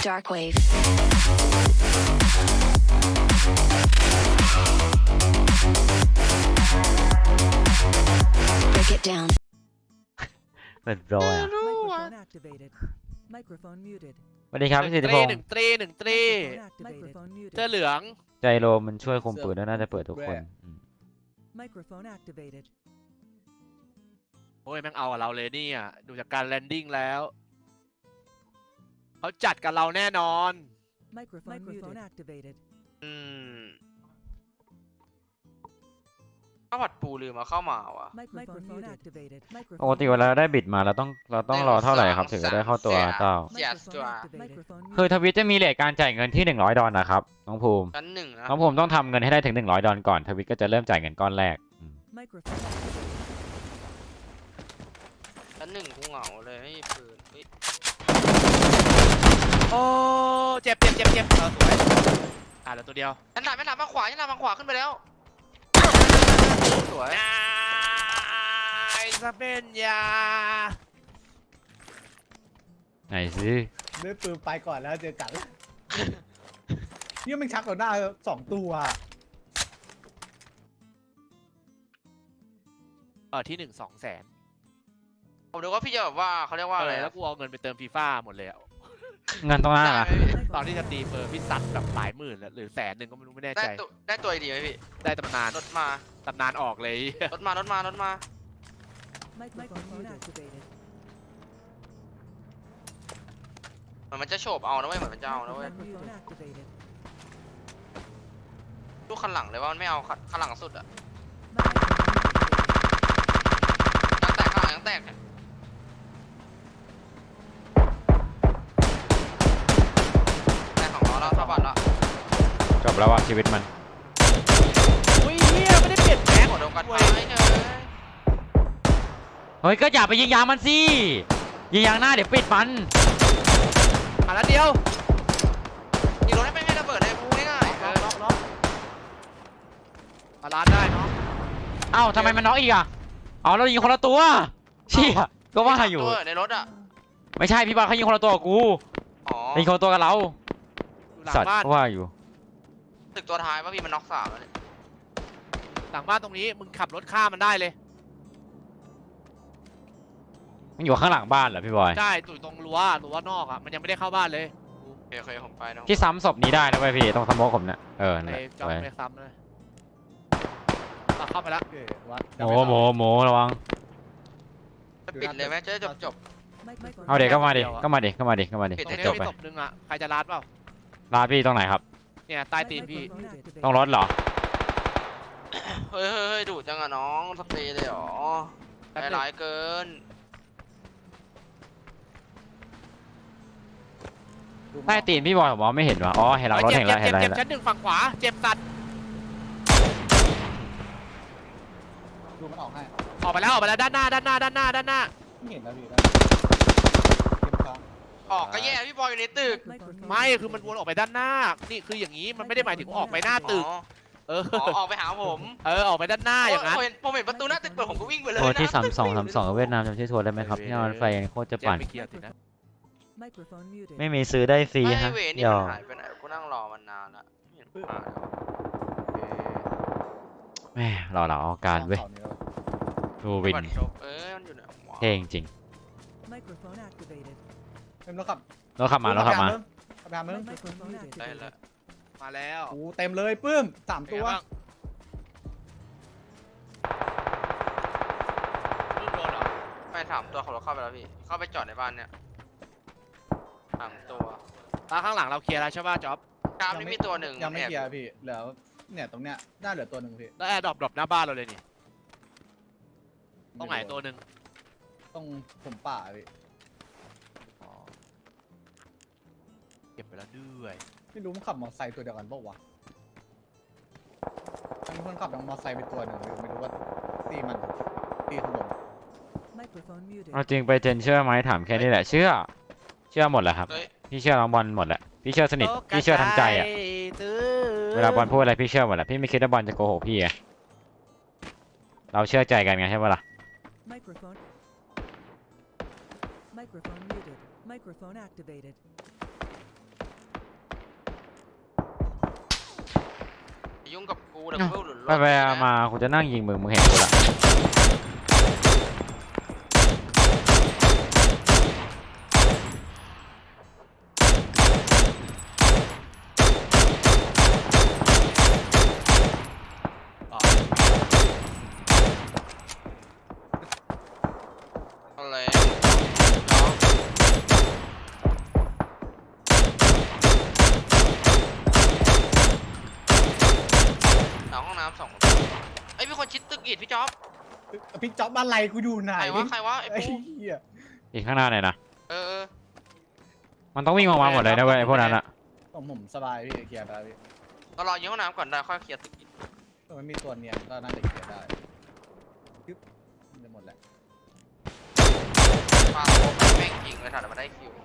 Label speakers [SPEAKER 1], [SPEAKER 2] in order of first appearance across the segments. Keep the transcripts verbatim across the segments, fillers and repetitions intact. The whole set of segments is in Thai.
[SPEAKER 1] Darkwave. Break it down.
[SPEAKER 2] เปิดโปรอ่ะ
[SPEAKER 3] Microphone activated. Microphone muted.
[SPEAKER 2] สวัสดีครับ
[SPEAKER 4] หนึ่
[SPEAKER 2] พี่
[SPEAKER 4] ง
[SPEAKER 2] สิทธิ
[SPEAKER 4] ต
[SPEAKER 2] พ
[SPEAKER 4] รี
[SPEAKER 2] ง
[SPEAKER 4] ห
[SPEAKER 2] ศ์
[SPEAKER 4] นึ่งตรีหนึ่งตรี
[SPEAKER 3] Microphone muted.
[SPEAKER 4] เสื้อเหลือง
[SPEAKER 2] ใจโลมันช่วยคุมปืนแล้วน่าจะเปิดทุกคนอืม
[SPEAKER 3] Microphone activated.
[SPEAKER 4] โอ้ยแม่งเอากับเราเลยเนี่ยดูจากการแลนดิ้งแล้วเขาจัดกับเราแน่นอน
[SPEAKER 3] Microphone, Microphone activated.
[SPEAKER 5] อืมข้าวผัดปูลืมมาเข้ามาว่ะ
[SPEAKER 3] Microphone activated.
[SPEAKER 2] ปกติเวลาเราได้บิดมาเราต้องเราต้องรอเท่าไหร่ครับถึงจะได้เข้าตัวเจ้า
[SPEAKER 5] Yes,
[SPEAKER 3] Microphone
[SPEAKER 5] Joa.
[SPEAKER 3] activated.
[SPEAKER 2] คือทวิตจะมีเรทการจ่ายเงินที่หนึ่งร้อยดอลนะครับน้องภูมิ
[SPEAKER 5] ชั้นหนึ่งนะ
[SPEAKER 2] น้องภูมิต้องทำเงินให้ได้ถึงหนึ่งร้อยดอลก่อนทวิตก็จะเริ่มจ่ายเงินก้อนแรกอืม
[SPEAKER 3] Microphone activated.
[SPEAKER 5] ชั้นหนึ่งกูเหงาเลยไม่มีปืนเฮ้ย
[SPEAKER 4] โอ้เจ็บเจ็บเจ็บเจ็บเออสวยอ่ะเหลือตัวเดียว
[SPEAKER 5] ชั้นหลังชั้นหลังมาขวาชั้นหลังมาขวาขึ้นไปแล้วสวย
[SPEAKER 4] นายสเปนยา
[SPEAKER 2] ไหนสิ
[SPEAKER 6] ด้วยปืนไปก่อนแล้วเจอกันเนี่ยมันชักต่อหน้าสองตัว
[SPEAKER 4] เออที่หนึ่งสองแสน
[SPEAKER 5] ผมนึกว่าพี่จะแบบว่าเขาเรียกว่า
[SPEAKER 4] เอ
[SPEAKER 5] อะไร
[SPEAKER 4] อแล้ว
[SPEAKER 5] นะ
[SPEAKER 4] กูเอาเงินไปเติมฟีฟ่าหมดเลยอะ
[SPEAKER 2] เงินตรงหน้า
[SPEAKER 5] ได้
[SPEAKER 2] อะ
[SPEAKER 5] ไหมพี่
[SPEAKER 4] ตอนที่จะตีเฟอร์พี่ซัดแบบหลายหมื่นแล้วหรือแสนหนึ่งก็ไม่รู้ไม่แน่
[SPEAKER 5] ได้
[SPEAKER 4] ใจ
[SPEAKER 5] ตัวได้ตัวดีไหมพี่
[SPEAKER 4] ได้ตำนาน
[SPEAKER 5] รถมา
[SPEAKER 4] ตำนานออกเลย
[SPEAKER 5] รถมารถมารถมา
[SPEAKER 3] Microphone activated.
[SPEAKER 5] เหมือนมันจะโฉบเอานะเว้ยเหมือนมันจะเอานะเว้ย
[SPEAKER 3] Microphone activated.
[SPEAKER 5] ลูกคันหลังเลยว่ามันไม่เอาคันหลังสุดอะ
[SPEAKER 3] Microphone
[SPEAKER 5] ยังแตกข้างหลังยังแตกเนี่ยแตกของล้อแล้วเท่าบัตรละ
[SPEAKER 2] จบแล้วว่ะชีวิตมัน
[SPEAKER 4] อุ้ยเฮียไม่ได้เปลี่ยนแม็ก
[SPEAKER 5] หัวเดียวกันไปเนย
[SPEAKER 2] เฮ้ยก็อย่าไปยิงยางมันสิยิงยางหน้าเดี๋ยวปิดมัน
[SPEAKER 4] อ่ะแล้วเดียว
[SPEAKER 5] ยิงรถให้ไม่ให้ระเบิดเลยพูง่ายๆเออ
[SPEAKER 4] ล็อกล็อกมาล้านได้เนาะ
[SPEAKER 2] เอ้าทำไมมันน็อกอีกอ่ะอ๋อเรายิงคนละตัวเชี่ยก็ว่าอยู่
[SPEAKER 5] ตัวในรถอะ
[SPEAKER 2] ไม่ใช่พี่บอลเขายิงคนละตัวกับกู
[SPEAKER 5] อ๋อ
[SPEAKER 2] ยิงคนละตัวกับเรา
[SPEAKER 4] อยู่หลัง
[SPEAKER 2] สัตว์
[SPEAKER 4] บ้าน
[SPEAKER 2] ก็ว่าอยู่
[SPEAKER 5] ตึกตัวท้ายว่าพี่มันน็อกสามแล้วเนี่ย
[SPEAKER 4] หลังบ้านตรงนี้มึงขับรถข้ามมันได้เลย
[SPEAKER 2] มันอยู่ข้างหลังบ้านเหรอพี่บอย
[SPEAKER 4] ใช่ตุ่ยตรงรั้วรั้วนอกอ่ะมันยังไม่ได้เข้าบ้านเลย
[SPEAKER 5] โอเคโอเคผมไปนะ
[SPEAKER 2] พี่ซ้ำศพนี้ได้นะเว้ยพี่ตรงสโมกผมเนี่ยเออนั่น
[SPEAKER 4] ไอ้
[SPEAKER 2] แหละ
[SPEAKER 4] จอม
[SPEAKER 2] ไว้
[SPEAKER 4] ไม่ซ้ำเลยอ่ะเข้าไปแล้ว
[SPEAKER 6] โอเควัด
[SPEAKER 2] โมโมโมระวัง
[SPEAKER 5] จะปิดเลยไหมจะได้จบจบ
[SPEAKER 3] Microphone
[SPEAKER 2] เอาเด็กก็มาดิก็มาดิก็มาดิก็มาดิ
[SPEAKER 5] ปิด
[SPEAKER 4] ตรง
[SPEAKER 5] ให้
[SPEAKER 4] นี้
[SPEAKER 2] จบ
[SPEAKER 4] มี
[SPEAKER 2] ไป
[SPEAKER 4] ศพนึงอ่ะใครจะรัดเปล่า
[SPEAKER 2] ร้านพี่ตรงไหนครับ
[SPEAKER 4] เนี่ยใต้ตีนพี่
[SPEAKER 3] Microphone activated.
[SPEAKER 2] ต้องรถเหรอ
[SPEAKER 5] เฮ้ยเฮ้ยเฮ้ยดูดจังอะน้องสเปรย์เลยเหรอ
[SPEAKER 4] แป๊บ
[SPEAKER 5] ใจ
[SPEAKER 4] นึง
[SPEAKER 5] ร้ายเกิน
[SPEAKER 2] ใต้ตีนพี่บอยผมมองไม่เห็นวะอ๋อเห็นหลังรถ
[SPEAKER 4] เจ็บ
[SPEAKER 2] เห็นแล้ว
[SPEAKER 4] เจ็
[SPEAKER 2] เห็
[SPEAKER 4] บ
[SPEAKER 2] นแล้ว
[SPEAKER 4] เจ็
[SPEAKER 2] เห็
[SPEAKER 4] บ
[SPEAKER 2] นแล้ว
[SPEAKER 4] ชั้นหนึ่งฝั่งขวาเจ็บสัตว์
[SPEAKER 6] ดูมันออกให้
[SPEAKER 4] ออกไปแล้วออกไปแล้วด้านหน้าด้านหน้าด้านหน้าด้านหน้า
[SPEAKER 6] ไม่เห็นแล้วพี่ได้เก็บค้าง
[SPEAKER 5] ออกก็แย่พี่บอยอยู่ในตึก
[SPEAKER 3] Microphone
[SPEAKER 4] ไม่คือมันวนออกไปด้านหน้านี่คืออย่างนี้มันไม่ได้หมายถึงออกไปหน้าตึก
[SPEAKER 5] อ๋อ
[SPEAKER 4] เออ
[SPEAKER 5] อ๋อออกไปหาผม
[SPEAKER 4] เออออกไปด้านหน้าอย่างนั้น
[SPEAKER 5] ผมเห็นผมเห็นประตูหน้าตึกเปิดผมก็วิ่งไปเลย
[SPEAKER 2] โทรที่
[SPEAKER 5] นะ
[SPEAKER 2] สามสองสามสองเวียดนามจำชื่อโทรได้ไหมครับที่นอนไฟโคตรจะ
[SPEAKER 4] เจ็บ
[SPEAKER 2] ปั่น
[SPEAKER 4] ไปเคลียร์สินะ
[SPEAKER 3] Microphone muted.
[SPEAKER 2] ไม่มีซื้อได้ฟรี
[SPEAKER 5] ไม่
[SPEAKER 2] ฮะ
[SPEAKER 5] เวนี่
[SPEAKER 2] เดี๋ยว
[SPEAKER 5] มันหายไปไหนกูนั่งรอมันนานละไม่เห็นมาเลย
[SPEAKER 2] แม่รอเราเอาการเว้ย
[SPEAKER 6] สองนี้แล้ว
[SPEAKER 2] ดูวิน
[SPEAKER 5] บัตรจบเอ้ยมันอยู่ไหนวะ
[SPEAKER 2] เท่จริง
[SPEAKER 3] Microphone activated.
[SPEAKER 6] เต็มแล้วครับ
[SPEAKER 2] ๆรถขับมารถขับมา
[SPEAKER 6] ขับมามึง
[SPEAKER 3] Microphone
[SPEAKER 5] ได้แล้ว
[SPEAKER 3] activated.
[SPEAKER 4] มาแล้ว
[SPEAKER 6] โอ้เต็มเลยปื้มสามตัว
[SPEAKER 4] ลูกโดนเหรอ
[SPEAKER 5] ไม่ถามตัวเขาเราเข้าไปแล้วพี่ เข้าไปจอดในบ้านเนี่ยถามตัว
[SPEAKER 4] ตาข้างหลังเราเคลียร์แล้วใช่ป่ะจ๊อบ
[SPEAKER 5] กรามนี่มีตัวหนึ่ง
[SPEAKER 6] ยังไม่
[SPEAKER 5] แอบ
[SPEAKER 6] เคลียร์พี่เหลือเนี่ยตรงเนี้ยน่าเหลือตัวหนึ่งพี่
[SPEAKER 4] แล้วแอร์ดรอปดรอปหน้าบ้านเราเลยนี่ต้องไหนตัวหนึ่ง
[SPEAKER 6] ต้องผมป่าพี่
[SPEAKER 4] อ๋อเก็บไปแล้วด้วย
[SPEAKER 6] ไม่รู้มันขับมอเตอร์ไซค์ตัวเดียวกันเปล่าวะมีคนขับมอเตอร์ไซค์ไปตัวหนึ่งพี่ไม่รู้ว่าตีมันตีข้างบน
[SPEAKER 3] Microphone muted.
[SPEAKER 2] เอาจริงไปเจนเชื่อไหมถามแค่นี้แหละเชื่อ เชื่อหมดแหละครับ
[SPEAKER 5] เฮ้ย
[SPEAKER 2] พี่เชื่อน้องบอลหมดแหละพี่เชื่อสนิทพี่เชื่อทั้งใจอ่ะ
[SPEAKER 4] ตื้อ
[SPEAKER 2] เวลาบอลพูดอะไรพี่เชื่อหมดแหละพี่ไม่คิดว่าบอลจะโกหกพี่ไงเราเชื่อใจกันไงใช่ปะล่ะ
[SPEAKER 3] Microphone. Microphone muted. Microphone activated.
[SPEAKER 5] ยุ่งกับกูเดี๋ยวกูหลุด
[SPEAKER 2] ไปไปมากูจะนั่งยิงมึงมึงเห็นกูละ
[SPEAKER 4] อ๋อ
[SPEAKER 5] อะไรหลังห้องน้ำสองไอ้ยมีคนชิดตึกอีดพี่จ๊อบ
[SPEAKER 6] พี่จ๊อบอะไรกูอยู่ไหน
[SPEAKER 5] ใครวะใครวะไอ้
[SPEAKER 6] ไอ้
[SPEAKER 5] ปู
[SPEAKER 6] เหี้ย
[SPEAKER 2] อีกข้างหน้าหน่อยนะ
[SPEAKER 5] เออเออ
[SPEAKER 2] มันต้องวิ่งออกมาหมดเลยนะเว้ยไอ้พวกนั้นอะ
[SPEAKER 6] ผมผมสบายพี่เคลียร์ไปแล้วพี่
[SPEAKER 5] เรารอยิงห้องน้ำก่อนได้ค่อยเคลียร์ตึกอีก
[SPEAKER 6] ถ้ามันมีตัวเนียนก็น่าจะเคลียร์ได้ยึบมันจะหมดแหละ
[SPEAKER 5] ฟาโคแม่งยิงเลยถ่ายมาได้คิว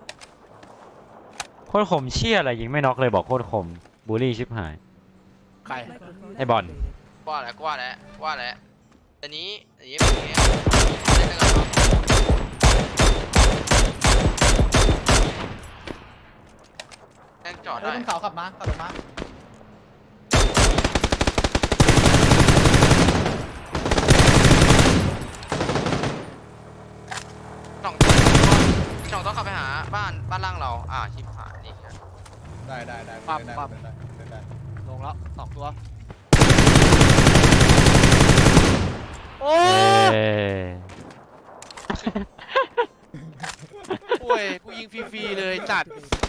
[SPEAKER 2] โคตรคมเชี่ยอะไรยิงไม่น็อกเลยบอกโคตรคมบูลลี่ชิบหาย
[SPEAKER 4] ใคร
[SPEAKER 3] Microphone
[SPEAKER 2] ไอ้บอล
[SPEAKER 3] activated.
[SPEAKER 5] ว่าแล้วว่าแล้วว่าแล้วอันนี้อันนี้เป็นอย่างเงี้ยเล่นด้วยกันเนาะแม่งจอด
[SPEAKER 6] เอ้ย
[SPEAKER 5] ได้
[SPEAKER 6] บนเขาขับมาขับลงมา
[SPEAKER 5] สองสองต้องขับไปหาบ้านบ้านล่างเราอ่าชิบหายนี่ครับ
[SPEAKER 6] ได้ได้ได้
[SPEAKER 4] ปั๊บ
[SPEAKER 6] ได้
[SPEAKER 4] ปั๊บ
[SPEAKER 6] ได้ได้ได้
[SPEAKER 4] ลงแล้วสองตัว โอ้
[SPEAKER 2] เอ้ย
[SPEAKER 4] โอ้ยกูยิงฟรีๆเลยจัด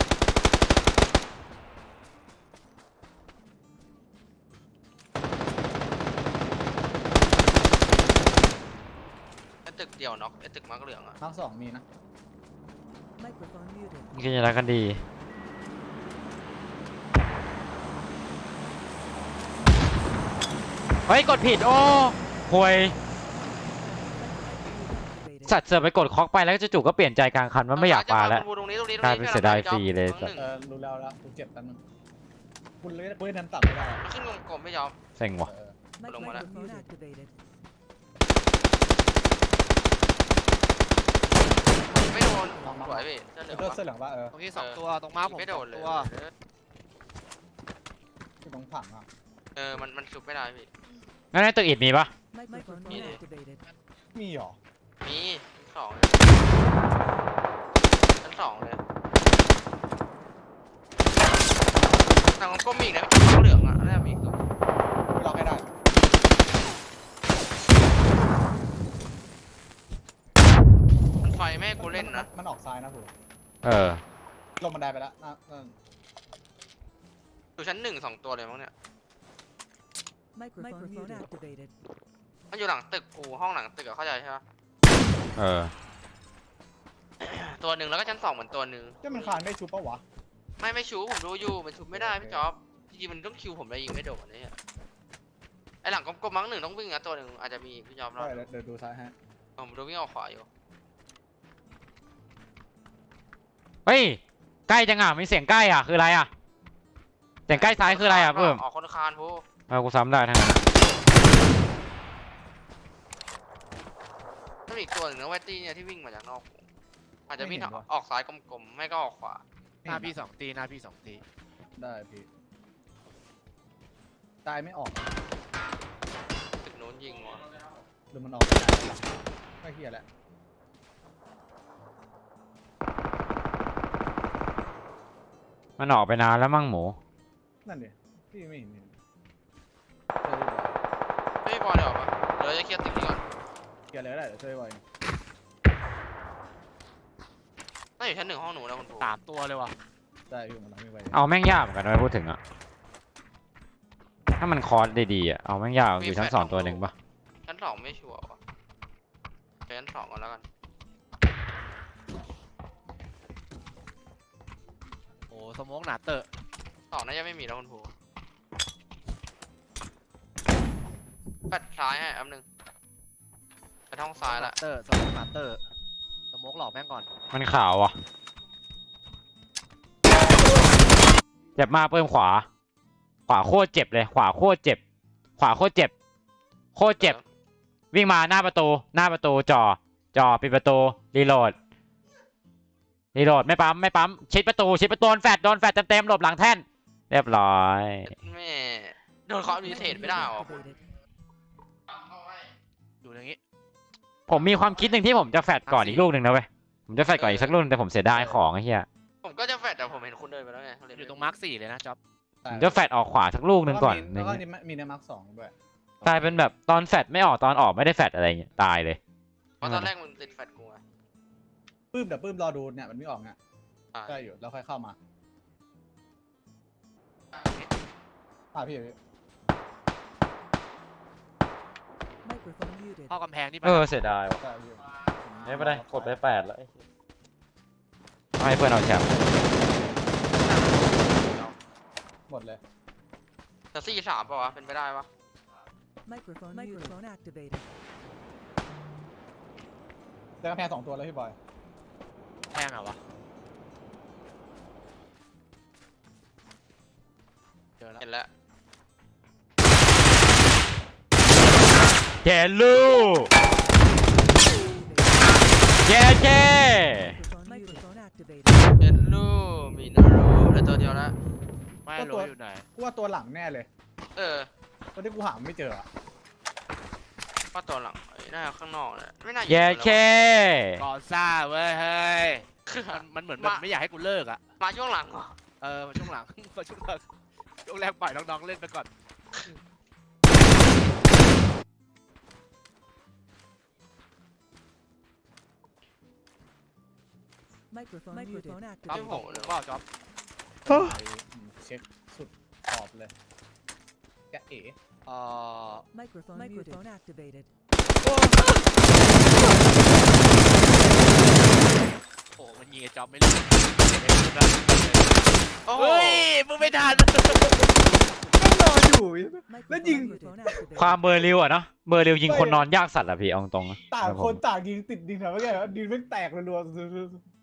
[SPEAKER 5] ไอ้ตึกเดียวน็อกไอ้ตึกมักเหลืองอ่ะ
[SPEAKER 6] มาร์คสองมีนะ
[SPEAKER 3] Microphone muted.
[SPEAKER 2] มึงกินยาละกันดีเฮ้ยกดผิดโอ้ห่วย
[SPEAKER 3] Activated.
[SPEAKER 2] สัตว์เสือกไปกดคอกไปแล้วจู่ๆก็เปลี่ยนใจกลางคันว่าไม่อยากปาแล้ว
[SPEAKER 5] ตรงนี้ตรงนี้ตรง
[SPEAKER 2] กลาย
[SPEAKER 5] นี้
[SPEAKER 2] เป็นเสียดายฟรีเลย
[SPEAKER 5] น้องหนึ่ง
[SPEAKER 6] เออรู้แล้วแล้วกูเจ็บแป๊บนึงคุณเลยกูเล่นน้ำต่ำไม่ได้อะ
[SPEAKER 5] มันขึ้นกลมๆไม่ยอม
[SPEAKER 2] เซ็งว่ะ
[SPEAKER 6] เออ
[SPEAKER 3] Mic-
[SPEAKER 5] Long one.
[SPEAKER 3] Microphone activated.
[SPEAKER 5] ไม่โดนสวยพี่เสื้อเหลือง
[SPEAKER 6] เสื้อ
[SPEAKER 5] ปะ
[SPEAKER 6] เสื้อเหลืองว่าเออ
[SPEAKER 4] ตรงนี้สองตัวตรงม้าผม
[SPEAKER 5] ไม่
[SPEAKER 4] ส
[SPEAKER 5] โด
[SPEAKER 4] อง
[SPEAKER 5] นเลย
[SPEAKER 4] ตัว
[SPEAKER 6] ที่ตรงผังอ่ะ
[SPEAKER 5] เออมันมันชุบไม่ได้พี่
[SPEAKER 2] งั้นในตึกอิดมีปะ
[SPEAKER 3] Microphone
[SPEAKER 5] muted.
[SPEAKER 3] activated.
[SPEAKER 6] มีเหรอ
[SPEAKER 5] มีชั้นสองชั้นสองเลยแต่ของก้มมีอีกนะพี่เสื้อเหลืองอ่ะน่าจะมีอีกตัว
[SPEAKER 6] ไม่ล็อกให้ได้
[SPEAKER 5] มันไฟไม่ให้กูเล่นนะ
[SPEAKER 6] มันออกซ้ายนะผม
[SPEAKER 2] เออ
[SPEAKER 6] ลงบันไดไปแล้วน่าน่า
[SPEAKER 5] อยู่ชั้นหนึ่งสองตัวเลยมั้งเนี่ย
[SPEAKER 3] Microphone activated.
[SPEAKER 5] มันอยู่หลังตึกกูห้องหลังตึกอะเข้าใจใช่ปะ
[SPEAKER 2] เออ
[SPEAKER 5] ตัวหนึ่งแล้วก็ชั้นสองเหมือนตัวหนึ่ง
[SPEAKER 6] จะมันคานได้ชูปะวะ
[SPEAKER 5] ไม่ไม่ชูผมดูอยู่มันชูไม่ได้พี่จ๊อบจริงๆมันต้องคิวผมเลยยิงไม่โดนเนี่ยไอหลังกลมๆมั้งหนึ่งต้องวิ่งอะตัวหนึ่งอาจจะมีพี่จ๊อบรอ
[SPEAKER 6] ได้
[SPEAKER 5] ด
[SPEAKER 6] เดี๋ยวดูซ้ายฮะ
[SPEAKER 5] ผมดูวิ่งออกขวาอยู่
[SPEAKER 2] เฮ้ยใกล้จังอ่ะมีเสียงใกล้อ่ะคืออะไรอ่ะเสียงใกล้ซ้ายคืออะไรอ่ะเพิ่ม
[SPEAKER 5] ออกคนคานพู
[SPEAKER 2] เอากูซ้ำได้ทั้งนั้นอะ
[SPEAKER 5] ต้องมีอีกตัวหนึ่งนะเวตี้เนี่ยที่วิ่งมาจากนอกวงอาจจะวิ่งออกซ้ายกลมๆไม่ก็ออกขวา
[SPEAKER 4] หน้าพี่สองตีหน้าพี่สองตี
[SPEAKER 6] ได้พี่ตายไม่ออก
[SPEAKER 5] ตึกโน้นยิงว่ะ
[SPEAKER 6] หรือมันออกไม่ได้ไม่เฮียแหละ
[SPEAKER 2] มันออกไปนานแล้วมั่งหมู
[SPEAKER 6] นั่นดิพี่ไม่เห็นเห็นเจอ
[SPEAKER 5] ไม่บอลเดี๋ยวออกปะเดี๋ยวจะเคลียร์ตึกนี้ก่อน
[SPEAKER 6] เกียร์อะไรก็ได้เดี๋ยวช่วยไว้
[SPEAKER 5] น่าอยู่ชั้นหนึ่งห้องหนูนะคุณครู
[SPEAKER 4] สามตัวเลยว่ะ
[SPEAKER 6] ได้พี่มันทำไม่ไหว
[SPEAKER 2] เอาแม่งยากเหมือนกันนะพูดถึงอ่ะถ้ามันคอร์สดีๆอ่ะเอาแม่งยากอยู่ชั้นสองตัวหนึ่งปะ
[SPEAKER 5] ชั้นสองไม่ชัวร์ว่ะไปชั้นสองก่อนแล้วกัน
[SPEAKER 4] โอ้สโมกหนาเตอะ
[SPEAKER 5] สองน่าจะไม่มีแล้วคุณครูปัดซ้ายให้อันหนึ่งไปท้องซ้ายละ
[SPEAKER 4] เตอร์สโมกหนาเตอร์สโมกหลอกแม่งก่อน
[SPEAKER 2] มันขาวอ่ะเจ็บมากเพิ่มขวา ขวาโคตรเจ็บเลย ขวาโคตรเจ็บ ขวาโคตรเจ็บ โคตรเจ็บ วิ่งมาหน้าประตู หน้าประตูจ่อจ่อปิดประตูรีโหลดรีโหลดไม่ปั๊มไม่ปั๊มชิดประตูชิดประตูโดนแฟดโดนแฟดเต็มๆหลบหลังแท่นเรียบร้อย
[SPEAKER 5] แม่โดนคอร์ดิเทตไม่ได้หรอ
[SPEAKER 3] Activated.
[SPEAKER 4] อยู่อย่างงี้
[SPEAKER 2] ผมมีความคิดหนึ่งที่ผมจะแฟดก่อนอีกลูกหนึ่งนะเว้ยผมจะแฟดก่อนอีกสักลูกนึงแต่ผมเสียดายของไอ้เหี้ย
[SPEAKER 5] ผมก็จะแฟดแต่ผมเห็นคุณเดินไปแล้วไง
[SPEAKER 4] อยู่ตรงมาร์คสี่เลยนะจ๊อบ
[SPEAKER 2] ผมจะแฟดออกขวาสักลูกหนึ่งก่อน
[SPEAKER 6] แล้วก็มีมีในมาร์คสองด้วย
[SPEAKER 2] กลายเป็นแบบตอนแฟดไม่ออกตอนออกไม่ได้แฟดอะไรเงี้ยตายเลย
[SPEAKER 5] เพราะตอนแรกมันติดแฟดกูไง
[SPEAKER 6] ปื้มเดี๋ยวปื้มรอดูเนี่ยมันไม่ออกเนี่ย
[SPEAKER 5] อ่า
[SPEAKER 6] ได้อยู่แล้วค่อยเข้ามาอ่าพี่พี่
[SPEAKER 3] Microphone muted.
[SPEAKER 4] เข้ากำแพงที่
[SPEAKER 2] เออเสียดายว่ะ
[SPEAKER 6] ได้พี่
[SPEAKER 2] ไม่เป็นไรกดไปแปดแล้วไอ้เหี้ยให้เพื่อนเอาแชมป์
[SPEAKER 6] หมดเลย
[SPEAKER 5] แต่สี่สามป่าวะเป็นไปได้ปะ
[SPEAKER 3] Microphone Microphone activated.
[SPEAKER 6] ได้กำแพงสองตัวแล้วพี่บอย
[SPEAKER 4] แพงเหรอวะเจอแล้ว
[SPEAKER 5] เห็นแล้ว
[SPEAKER 2] เจลูเจเจ
[SPEAKER 3] Microphone Microphone activated.
[SPEAKER 5] เห็นลูมีนารูเหลือตัวเดียวแล้ว
[SPEAKER 4] ไม่รู้อยู่ไหน
[SPEAKER 6] กูว่าตัวหลังแน่เลย
[SPEAKER 5] เออ
[SPEAKER 6] ตัวที่กูหาไม่เจออะ
[SPEAKER 5] ว่าตัวหลังไอ้หน้าข้างนอกเนี่ยไม่น่าอยู่
[SPEAKER 2] เจ
[SPEAKER 5] แล้ว
[SPEAKER 2] เจ
[SPEAKER 4] ก่อซ่าเว้ยเฮ้ย
[SPEAKER 5] วะ
[SPEAKER 4] มันมันเหมือนแบบไม่อยากให้กูเลิกอ่ะ
[SPEAKER 5] มาช่วงหลังเหรอ
[SPEAKER 4] เออมาช่วงหลัง มาช่วงหลังช่วงแรกปล่อยน้องๆเล่นไปก่อน
[SPEAKER 3] Microphone Microphone
[SPEAKER 4] จ๊อบ
[SPEAKER 3] activated.
[SPEAKER 4] ผมหรือเปล่าจ๊อบ
[SPEAKER 6] เช็คสุดขอบเลยแกะเอ๋
[SPEAKER 4] เอ่อ
[SPEAKER 3] Microphone Microphone activated.
[SPEAKER 4] โอ้มันยิงไอ้จ๊อบไม่รู้
[SPEAKER 5] โอ้โห
[SPEAKER 4] เฮ้ยมึงไม่ทัน
[SPEAKER 6] ก็รออยู่
[SPEAKER 3] Microphone
[SPEAKER 6] ยิง
[SPEAKER 3] Microphone activated.
[SPEAKER 2] ความเบอร์ริวอะเนาะเบอร์ริวยิงคนนอนยากสัตว์อะพี่เอาตรงๆนะ
[SPEAKER 6] ต่างคนต่างยิงติดดินแถวเมื่อกี้ดินไม่แตกรัว